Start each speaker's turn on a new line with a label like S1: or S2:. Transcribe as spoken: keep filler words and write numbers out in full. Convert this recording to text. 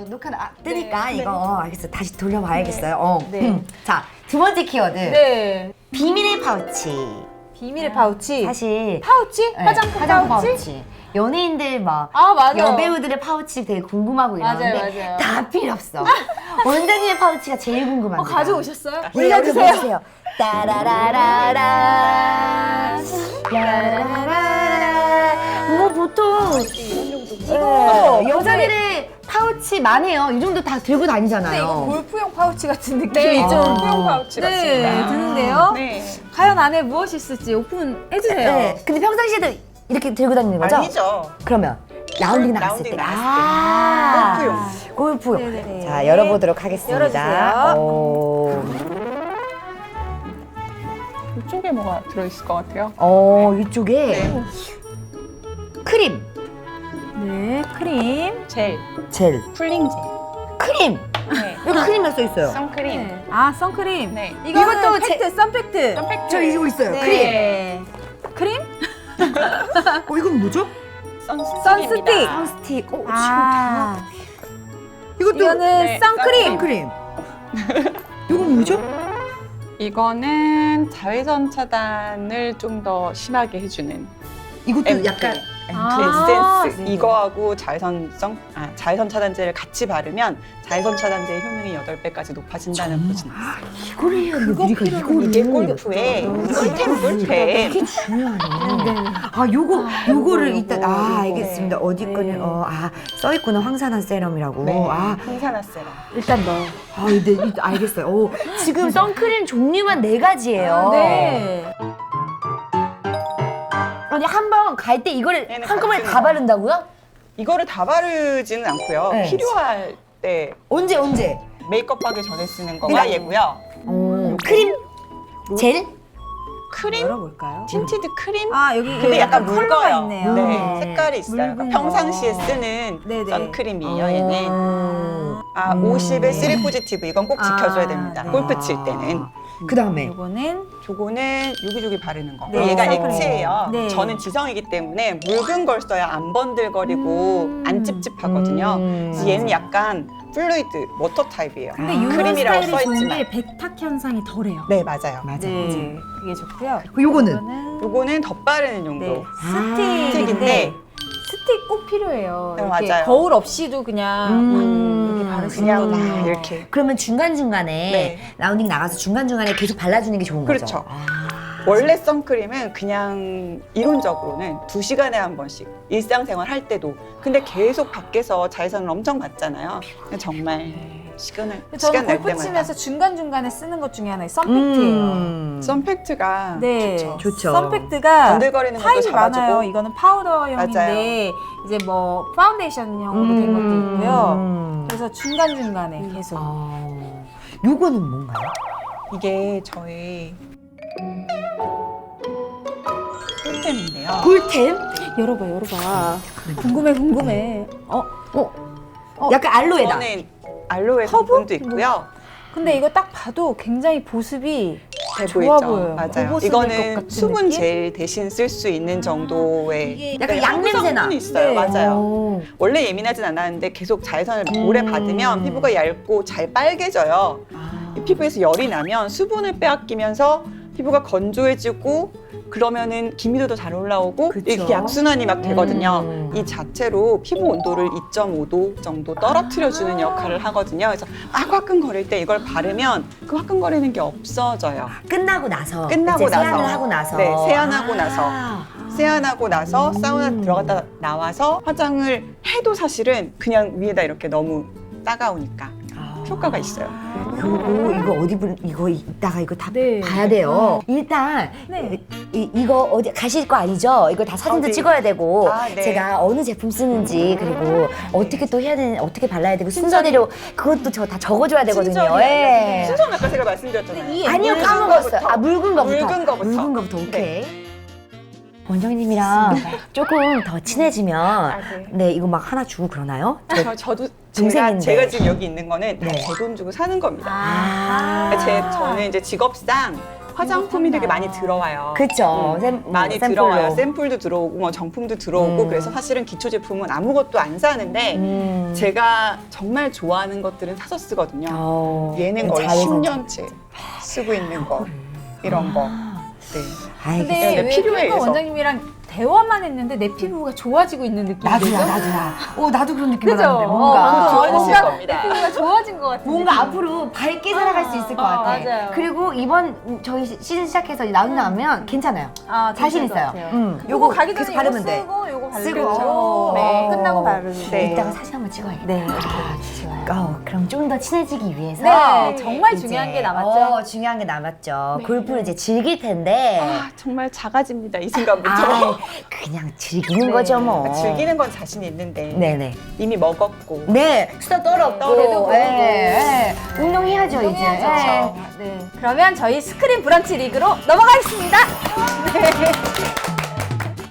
S1: 어, 녹화 아, 뜨니까
S2: 네.
S1: 이거 어, 알겠어. 다시 돌려봐야겠어요.
S2: 네.
S1: 어.
S3: 네.
S1: 음. 자, 두 번째 키워드.
S3: 네.
S1: 비밀의 파우치.
S3: 비밀의 파우치.
S1: 사실
S3: 파우치?
S1: 네,
S3: 화장품,
S1: 화장품
S3: 파우치?
S1: 파우치. 연예인들 막
S3: 아, 맞아요.
S1: 여배우들의 파우치 되게 궁금하고 이러는데
S3: 맞아요, 맞아요.
S1: 다 필요 없어. 원장님의 파우치가 제일 궁금합니다.
S3: 어, 가져오셨어요?
S1: 네,
S3: 올려주세요.
S1: 따라라라라 라라라라 뭐 보통
S3: 이거
S1: 네, 여자들의 파우치 많이 해요. 이 정도 다 들고
S3: 근데
S1: 다니잖아요.
S3: 이거 골프용 파우치 같은 느낌이
S2: 네,
S3: 좀
S2: 골프용 파우치
S3: 네,
S2: 같습니다.
S3: 드는데요.
S2: 네.
S3: 과연 안에 무엇이 있을지 오픈해주세요.
S1: 네, 근데 평상시에도 이렇게 들고 다니는 거죠?
S2: 아니죠.
S1: 그러면 라운딩 나갔을
S2: 라운딩
S1: 때
S2: 나갔을 때.
S1: 아,
S2: 골프용.
S1: 골프용.
S3: 네네네.
S1: 자, 열어보도록 하겠습니다.
S3: 열어주세요.
S1: 오.
S2: 이쪽에 뭐가 들어있을 것 같아요?
S1: 어, 이쪽에
S2: 네.
S1: 크림,
S3: 네, 크림.
S2: 젤,
S1: 젤,
S2: 풀링 젤.
S1: 크림.
S2: 네.
S1: 여기 크림이 써 있어요.
S2: 선크림.
S3: 네. 아, 선크림.
S2: 네.
S3: 이거는
S1: 이것도
S3: 팩트, 선팩트.
S2: 선팩트.
S1: 저 이거 있어요.
S3: 네. 크림?
S1: 크림. 어, 이건 뭐죠?
S2: 선스틱입니다.
S3: 선스틱.
S1: 선스틱. 어,
S3: 아,
S1: 이것도
S3: 이거는
S2: 네,
S3: 선크림.
S1: 선크림. 이건 뭐죠?
S2: 이거는 자외선 차단을 좀 더 심하게 해주는
S1: 이것도
S2: 앰플.
S1: 약간
S3: 아,
S2: 에센스.
S3: 네네.
S2: 이거하고 자외선성, 아, 자외선 차단제를 같이 바르면 자외선 차단제의 효능이 여덟 배까지 높아진다는 보진 있어요.
S1: 이거를 해야 돼. 우리가 이거를.
S2: 이게 골프의 꿀템 꿀템.
S1: 이게 중요하네. 아, 요거 요거를
S3: 요거,
S1: 일단
S3: 요거,
S1: 아,
S3: 요거.
S1: 알겠습니다. 어디
S3: 네.
S1: 거는 어, 아, 써 있구나. 황산화 세럼이라고.
S2: 네.
S1: 아,
S2: 항산화 세럼.
S1: 일단 너. 아, 근데 이- 알겠어요. 오, 지금 선크림 종류만 네 가지예요.
S3: 네.
S1: 아니, 한 번 갈 때 이거를
S2: 얘는
S1: 한꺼번에
S2: 같은
S1: 다
S2: 거.
S1: 바른다고요?
S2: 이거를 다 바르지는 않고요.
S1: 네.
S2: 필요할 때
S1: 언제 언제?
S2: 메이크업 하기 전에 쓰는 거가
S1: 네.
S2: 얘고요.
S1: 어, 크림? 젤?
S2: 크림?
S3: 열어볼까요?
S2: 틴티드 크림?
S3: 아, 여기
S2: 근데 약간
S3: 컬러가
S2: 붉어요.
S3: 있네요.
S2: 네, 색깔이 있어요.
S3: 묽은
S2: 그러니까 평상시에
S3: 거.
S2: 쓰는
S3: 네네.
S2: 선크림이에요, 얘는.
S1: 어.
S2: 아,
S1: 음.
S2: 오십에 쓰리 포지티브 이건 꼭 지켜줘야
S3: 아,
S2: 됩니다.
S3: 네.
S2: 골프 칠 때는.
S1: 그 다음에
S3: 요거는
S2: 저거는 여기저기 바르는 거.
S3: 네,
S2: 얘가
S3: 선크림.
S2: 액체예요.
S3: 네.
S2: 저는 지성이기 때문에 묽은 걸 써야 안 번들거리고
S3: 음.
S2: 안 찝찝하거든요.
S1: 음.
S2: 그래서 얘는 약간 플루이드, 워터 타입이에요.
S3: 근데
S1: 아,
S3: 요
S2: 크림이라고
S3: 스타일이
S2: 써있지만.
S3: 좋은 게 백탁 현상이 덜해요.
S2: 네, 맞아요.
S1: 맞아,
S3: 네, 그게 좋고요.
S1: 그 요거는
S3: 요거는
S2: 요거는 덧바르는 용도.
S3: 네,
S1: 아,
S3: 스틱인데
S2: 스틱인데
S3: 스틱 꼭 필요해요.
S2: 네,
S3: 이렇게
S2: 맞아요.
S3: 거울 없이도 그냥
S1: 음.
S3: 이렇게 바르시는
S2: 그냥
S3: 거예요.
S2: 막 이렇게.
S1: 그러면 중간중간에
S2: 네.
S1: 라운딩 나가서 중간중간에 계속 발라주는 게 좋은
S2: 그렇죠.
S1: 거죠? 아.
S2: 원래 선크림은 그냥 이론적으로는 두 시간에 한 번씩 일상생활 할 때도 근데 계속 밖에서 자외선을 엄청 받잖아요. 정말 시간을
S3: 저는
S2: 시간 날
S3: 골프
S2: 때마다
S3: 치면서 중간중간에 쓰는 것 중에 하나가 선팩트예요.
S1: 음.
S2: 선팩트가
S3: 네,
S2: 좋죠.
S1: 좋죠.
S3: 선팩트가
S2: 번들거리는 것도
S3: 타입이
S2: 잡아주고
S3: 많아요. 이거는 파우더형인데
S2: 맞아요.
S3: 이제 뭐 파운데이션형으로 된 것도 있고요.
S1: 음.
S3: 그래서 중간중간에 계속
S1: 아, 요거는 뭔가요?
S2: 이게 저의 꿀템인데요.
S1: 꿀템?
S3: 열어봐 열어봐. 궁금해 궁금해. 어?
S1: 어,
S3: 어,
S1: 약간 알로에다.
S2: 이거는 알로에
S3: 허브?
S2: 성분도 있고요.
S3: 근데 이거 딱 봐도 굉장히 보습이
S2: 돼
S3: 좋아
S2: 보이죠?
S3: 보여요.
S2: 맞아요.
S3: 고보습일 것
S2: 이거는
S3: 같은
S2: 수분
S3: 느낌?
S2: 젤 대신 쓸 수 있는 정도의
S3: 이게
S1: 약간
S2: 네,
S1: 양냄새나.
S2: 성분이 있어요.
S3: 네.
S2: 맞아요.
S1: 오.
S2: 원래 예민하진 않았는데 계속 자외선을
S1: 음.
S2: 오래 받으면 피부가 얇고 잘 빨개져요.
S1: 아.
S2: 이 피부에서 열이 나면 수분을 빼앗기면서 피부가 건조해지고 그러면은 기미도도 잘 올라오고
S1: 그쵸.
S2: 이렇게 약순환이 막 되거든요.
S1: 음.
S2: 이 자체로 피부 온도를 이 점 오 도 정도 떨어뜨려주는 역할을 하거든요. 그래서 막 화끈거릴 때 이걸 바르면 그 화끈거리는 게 없어져요.
S1: 끝나고 나서
S2: 끝나고
S1: 이제
S2: 나서.
S1: 세안을 하고 나서
S2: 네, 세안하고
S1: 아.
S2: 나서. 세안하고 나서 사우나
S1: 음.
S2: 들어갔다 나와서 화장을 해도 사실은 그냥 위에다 이렇게 너무 따가우니까
S1: 아.
S2: 효과가 있어요.
S1: 요거 이거 어디 분 이거 이따가 이거 다
S3: 네.
S1: 봐야 돼요. 일단
S3: 네.
S1: 이, 이거 어디 가실 거 아니죠? 이거 다 사진도
S2: 어디?
S1: 찍어야 되고
S2: 아, 네.
S1: 제가 어느 제품 쓰는지 그리고 어떻게 또 해야 되는 어떻게 발라야 되고 순서대로 그것도 저 다 적어줘야 되거든요.
S2: 순전히
S1: 예.
S2: 순서는 아까 제가 말씀드렸잖아요.
S3: 이
S1: 아니요
S2: 묽은
S1: 까먹었어요.
S2: 거부터.
S1: 아 묽은 거부터.
S2: 묽은 거부터.
S1: 묽은 거부터 오케이. 원정희님이랑 조금 더 친해지면
S2: 아, 네.
S1: 네 이거 막 하나 주고 그러나요?
S2: 저, 저도 제가,
S1: 동생인데.
S2: 제가 지금 여기 있는 거는
S1: 네.
S2: 제 돈 주고 사는 겁니다.
S1: 아.
S2: 제, 저는 이제 직업상 화장품이 되게 많이 들어와요.
S1: 그쵸.
S2: 음,
S1: 샘- 음,
S2: 많이
S1: 샘플로.
S2: 들어와요. 샘플도 들어오고 뭐 정품도 들어오고
S1: 음.
S2: 그래서 사실은 기초 제품은 아무것도 안 사는데
S1: 음.
S2: 제가 정말 좋아하는 것들은 사서 쓰거든요.
S1: 어,
S2: 얘는 거의
S1: 자외선
S2: 십 년째 쓰고 있는 거 이런 거. 네.
S1: 알겠어.
S3: 근데
S2: 네,
S3: 왜
S2: 필요해,
S3: 피부과
S2: 그래서.
S3: 원장님이랑 대화만 했는데 내 피부가 좋아지고 있는 느낌이
S1: 나도야,
S3: 들죠?
S1: 나도야. 어, 나도 그런 느낌
S3: 그죠?
S1: 받았는데
S3: 어,
S1: 뭔가.
S3: 뭔가,
S2: 좋아지실
S3: 뭔가
S2: 겁니다.
S3: 내 피부가 좋아진 것 같은
S1: 뭔가
S3: 느낌.
S1: 앞으로 밝게 살아갈 수 있을 것
S3: 어,
S1: 같아.
S3: 맞아요.
S1: 그리고 이번 저희 시- 시즌 시작해서 나온 나면 괜찮아요.
S3: 아,
S1: 자신
S3: 괜찮을
S1: 있어요.
S3: 것 같아요.
S1: 음,
S3: 요거 가기
S1: 계속
S3: 전에
S1: 바르면
S3: 이거
S1: 돼.
S3: 쓰고 요거 바르고
S1: 쓰고.
S3: 어,
S2: 네.
S3: 끝나고 바르고
S2: 네.
S1: 이따가 사진 한번 찍어야겠다.
S3: 네.
S1: 좋아요. 어, 그럼 좀 더 친해지기 위해서
S3: 네, 정말
S1: 이제,
S3: 중요한 게 남았죠.
S1: 어, 중요한 게 남았죠.
S2: 네.
S1: 골프를 이제 즐길 텐데
S2: 아, 정말 작아집니다. 이 순간부터.
S1: 아, 그냥 즐기는
S3: 네.
S1: 거죠 뭐.
S2: 즐기는 건 자신 있는데
S1: 네네.
S2: 이미 먹었고
S1: 네, 수다 떨었고,
S2: 떨어도
S1: 예, 예. 운동해야죠 이제.
S3: 운동해야죠.
S1: 예.
S3: 네. 그러면 저희 스크린 브런치 리그로 넘어가겠습니다. 네.